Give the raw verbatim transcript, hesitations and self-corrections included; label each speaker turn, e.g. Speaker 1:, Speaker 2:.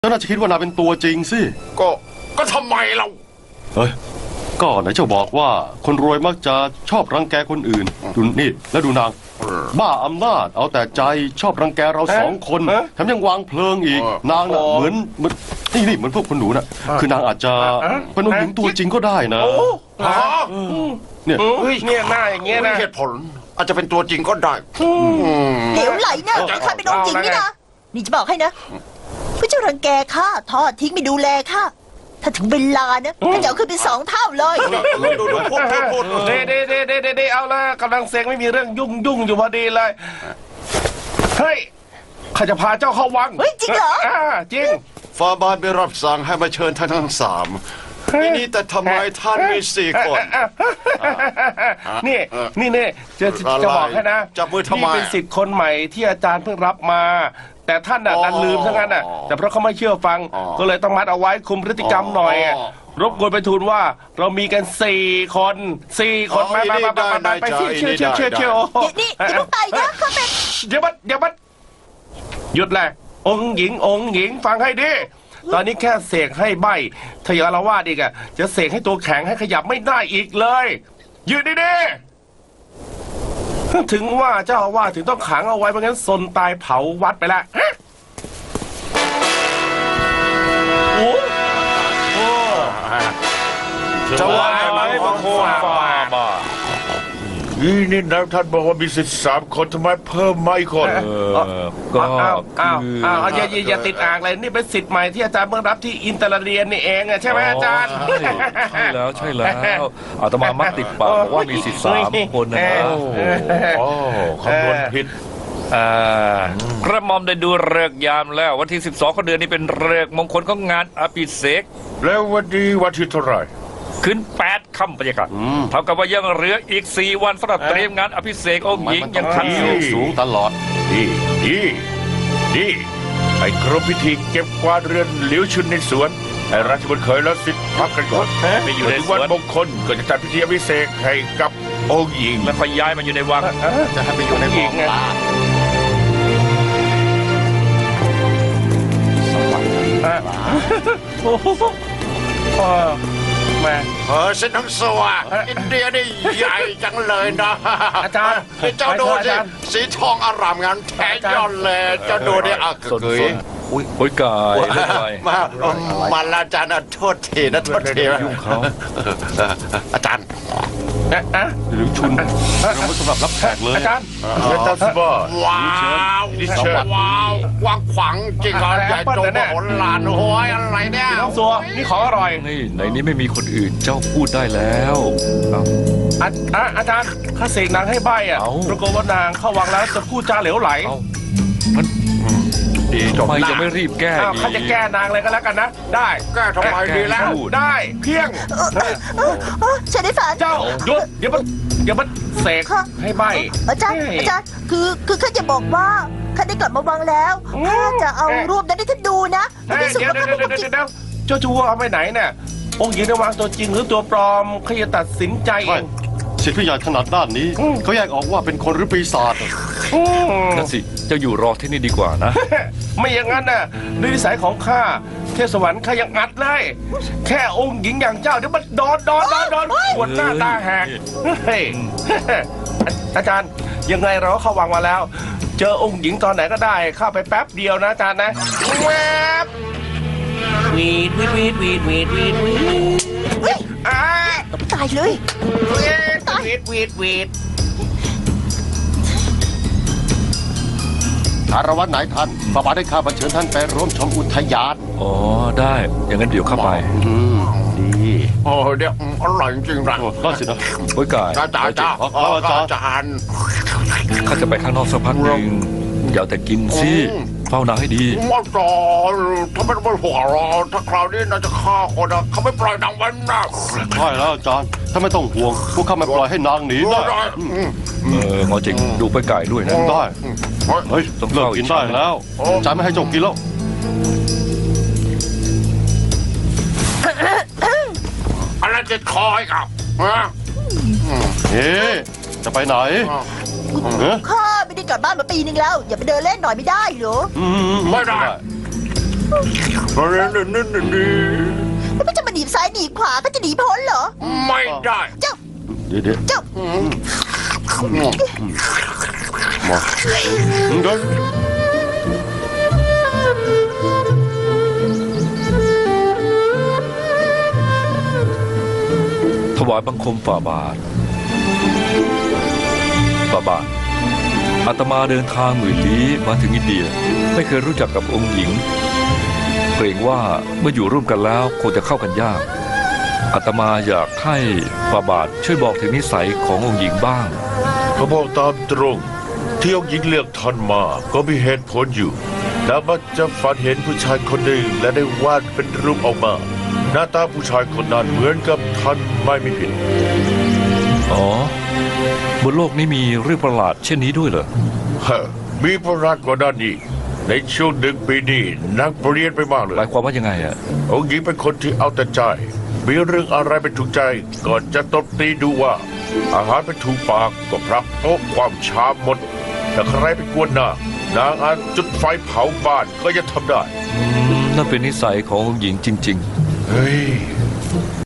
Speaker 1: เจ้าน่าจะคิดว่านายเป็นตัวจริงสิ
Speaker 2: ก็ก็ทำไมเรา
Speaker 1: เฮ้ยก็ไหนเจ้าบอกว่าคนรวยมักจะชอบรังแกคนอื่นดูนี่แล้วดูนางบ้าอำนาจเอาแต่ใจชอบรังแกเราสองคนแถมยังวางเพลิงอีกนางน่ะเหมือนเหมือนนี่นี่เหมือนพวกคนหนูน่ะคือนางอาจจะเป็นองค์หญิงตัวจริงก็ได้นะเนี่ย
Speaker 3: เนี่ยหน้าอย่างเงี้ยนะ
Speaker 2: เหตุผลอาจจะเป็นตัวจริงก็ได้
Speaker 4: เหลวไหลนะข้าเป็นองค์หญิงนี่นะนี่จะบอกให้นะพระเจ้ารังแกข้าทอดทิ้งไม่ดูแลข้าถ้าถึงเวลานะข้าจะเอาขึ้นเป็นสองเท่าเลย
Speaker 2: ดูดูพูดพูดพูด
Speaker 3: เด้เด้เด้เด้เด้เอาละกำลังเสกไม่มีเรื่องยุ่งยุ่งอยู่พอดีเลยเฮ้ยข้าจะพาเจ้าเข้าวัง
Speaker 4: เฮ้ยจริงเหรอ
Speaker 3: อ่าจริง
Speaker 2: ฟ้าบานไปรับสั่งให้มาเชิญท่านทั้งสามนี่แต่ทำไมท่านมีสี่คน
Speaker 3: นี่นี่นี่จะจะบอกให้นะ
Speaker 2: จับมือทำไม
Speaker 3: นี่เป็นสิทธิ์คนใหม่ที่อาจารย์เพิ่งรับมาแต่ท่านน่ะดันลืมซะงั้นน่ะแต่เพราะเขาไม่เชื่อฟังก็เลยต้องมัดเอาไว้คุมพฤติกรรมหน่อยรบกวนไปทูลว่าเรามีกันสี่คนสี่คนมาไปไปไปไปเชี่ยวเชี่ยวเชี่ยวเชี่ยวเชี่ยว
Speaker 4: นี่อย่าต้องไปนะข้าเป็น
Speaker 3: เดี๋ยวมันเดี๋ยวมันหยุดแหละองค์หญิงองค์หญิงฟังให้ดีตอนนี้แค่เสกให้ใบถ้าอย่างอาละวาดอีกอะจะเสกให้ตัวแข็งให้ขยับไม่ได้อีกเลยยืนดีๆถึงว่าเจ้าอาว่าสถึงต้องขังเอาไว้เพราะงั้นซนตายเผาวัดไปละโอ้โหจะว่าไหมบางคนมา
Speaker 5: นี่นี่นะท่านบอกว่ามีสิทธิ์สามคนทำไมเพิ่มมาอีกคน
Speaker 3: ก็อ้าวอ้าวอ้าวอย่าอย่าติดอ่างเลยนี่เป็นสิทธิ์ใหม่ที่อาจารย์เพิ่งรับที่อินเตอร์เรียนนี่เองใช่ไหมอาจารย์
Speaker 5: ใช่แล้วใช่แล้วอาตมามักติดปากบอกว่ามีสิทธิ์สามคนนะโอ้คำนวณผิด
Speaker 6: กระหม่อมได้ดูฤกษ์ยามแล้ววันที่สิบสองของเดือนนี้เป็นฤกษ์มงคลของงานอภิเษก
Speaker 5: แล้ววันนี้วันที่เท่าไหร่
Speaker 6: ขึ้นแปดค่ำบรรยากาศเท่ากับว่ายังเหลืออีกสี่วันสำหรับเตรียมงานอภิเษกองค์หญิงยังทันอยู่
Speaker 1: สูงตลอด
Speaker 5: นี่นี่นี่ไอ้ครบพิธีเก็บกวาดเรือนหลิวชุนในสวนไอ้ราชบุตรเคยแล้วสิทธิ์พักกันก่อนไปอยู่ในวันมงคลก็จะจัดพิธีอภิเษกให้กับองค์หญิง
Speaker 6: แล้วค่อยย้ายมาอยู่ในวัง
Speaker 1: จะให้ไปอยู่ในวัง
Speaker 3: สวัสดีโอ้โหมา
Speaker 2: เออสิทั้งสวะอินเดียนี่ใหญ่จังเลยนะ
Speaker 3: อาจารย์
Speaker 2: เจ้าดูสิสีทองอารามงานแท้ยอดเลยเจ้าดูดิอ่ะเกย
Speaker 6: อุ้ยโอ้ยกาย
Speaker 2: มามาลาจารย์โทษทีนะโทษที
Speaker 6: ยุ่งเขา
Speaker 2: อาจารย์
Speaker 1: หรือชุนเราไม่สำหรับรับแขกเลย
Speaker 3: อาจารย์
Speaker 2: ว้าวว้าวกว้างขวางจริงเหรอใหญ่โตมโหฬารโอ้ยอะไรเนี่ย
Speaker 3: น้องซัวนี่ของอร่อย
Speaker 6: นี่ในนี้ไม่มีคนอื่นเจ้าพูดได้แล้ว
Speaker 3: อาจารย์ข้าเสกนางให้ใบอ่ะปรากฏว่านางเข้าวังแล้วจะพูดจาเหลวไหล
Speaker 6: ทำไมจะไม่รีบแก้
Speaker 3: ข้าจะแก้นางเลยก็แล้วกันนะได้
Speaker 2: แก้ทำไมดีแล้ว
Speaker 3: ได้เพียง
Speaker 4: ฉันได้ฝัน
Speaker 3: เจ้าหยุดเดี๋ยวมันเดี๋ยวมันเสกให้ใบ
Speaker 4: อาจารย์อาจารย์คือคือข้าจะบอกว่าข้าได้กลับมาวังแล้วข้าจะเอารูปนั้นให้ท่านดูนะ
Speaker 3: เดี๋ยวเดี๋ยวเดี๋ยวเดี๋ยวเจ้าจูเอาไปไหนเนี่ยองค์หญิงในวังตัวจริงหรือตัวปลอมข้าจะตัดสินใจเอง
Speaker 1: สิทธิพิยาถนัดด้านนี้เขาแยกออกว่าเป็นคนหรือปีศาจ
Speaker 6: นั่นสิเจ้าอยู่รอที่นี่ดีกว่านะ
Speaker 3: ไม่อย่างนั้นน่ะด้วยนิสัยของข้าเทพสวรรค์ข้ายังอัดเลยแค่องค์หญิงอย่างเจ้าเดี๋ยวมันโดนโดนโดนโดนปวดหน้าตาแหกเฮ้ยอาจารย์ยังไงเราก็เข้าวังมาแล้วเจอองค์หญิงตอนไหนก็ได้เข้าไปแป๊บเดียวนะอาจารย์นะแวบวีดวีดวีดวีดวีดวีดวีด
Speaker 4: อ่าตายเลย
Speaker 3: ตายวีดวีดวีด
Speaker 1: คารวะไหนท่านฝ่าบาทได้ข้าบัญเชิญท่านไปร่วมชมอุทยาน
Speaker 6: อ๋อได้อย่างนั้นเดี๋ยวเข้าไป
Speaker 1: ดี
Speaker 2: โอ้เดี๋ยวอร่อยจริงรัง
Speaker 1: ก็สินะ
Speaker 6: โอ้ยกาย
Speaker 2: อาจารย์จ้าอาจารย์
Speaker 6: ข้าจะไปข้างนอกสักพักหนึ่งอย่าแต่กินสิเฝ้านางให้ดี
Speaker 2: อาจารย์ถ้าไม่ต้องห่วงเราถ้าคราวนี้น่าจะฆ่าคนนะเขาไม่ปล่อยนางไว้นะ
Speaker 1: ใช่แล้วอาจารย์ถ้าไม่ต้องห่วงพวกข้าไม่ปล่อยให้นางหนีได้
Speaker 6: เออหมอจิงดูไปไก่ด้วยนะ
Speaker 1: ได้เฮ้ยเลิกกินได้แล้วอาจารย์ไม่ให้เจ้ากินแล้ว
Speaker 2: อะไรจะคอยกับ
Speaker 1: เฮ้จะไปไหน
Speaker 4: ข้าไม่ได้กลับบ้านมาปีนึงแล้วอย่าไปเดินเล่นหน่อยไม่ได้เหรอ
Speaker 2: ไม่ได้
Speaker 4: แล้วมันจะมาหนีบซ้ายหนีบขวาก็จะหนีพ้นเหรอ
Speaker 2: ไม่ได้
Speaker 4: เจ้า
Speaker 1: เดี๋ยวเดี๋ยว
Speaker 4: เจ้า
Speaker 1: มาเดิน
Speaker 6: ถวายบังคมฝ่าบาทฝ่าบาทอาตมาเดินทางหมื่นลี้มาถึงอินเดีย ไม่เคยรู้จักกับองค์หญิง เกรงว่าเมื่ออยู่ร่วมกันแล้วคงจะเข้ากันยากอาตมาอยากให้ฝ่าบาทช่วยบอกถึงนิสัยขององค์หญิงบ้าง
Speaker 5: เขาบอกตามตรงที่องค์หญิงเลือกท่านมาก็มีเหตุผลอยู่ แล้วมักจะฝันเห็นผู้ชายคนหนึ่งและได้วาดเป็นรูปออกมา หน้าตาผู้ชายคนนั้นเหมือนกับท่านไม่มีผิด
Speaker 6: อ๋อบนโลกนี้มีเรื่องประหลาดเช่นนี้ด้วยเหรอ
Speaker 5: ฮะมีประหลาดกว่านั้นอีกในช่วงหนึ่งปีนี้นักเปลี่ยนไปมากเลย
Speaker 6: หมายความว่ายังไงอะ
Speaker 5: องค์หญิงเป็นคนที่เอาแต่ใจ มีเรื่องอะไรเป็นถูกใจก่อนจะตบตีดูว่า อาหารเป็นถูกปากก็พรับโต๊ะความชามหมดแต่ใครไปกวนนางนางอาจจุดไฟเผาบ้านก็ยังทำได้
Speaker 6: อืมนั่นเป็นนิสัยขององค์หญิงจริง ๆ
Speaker 5: เฮ้ย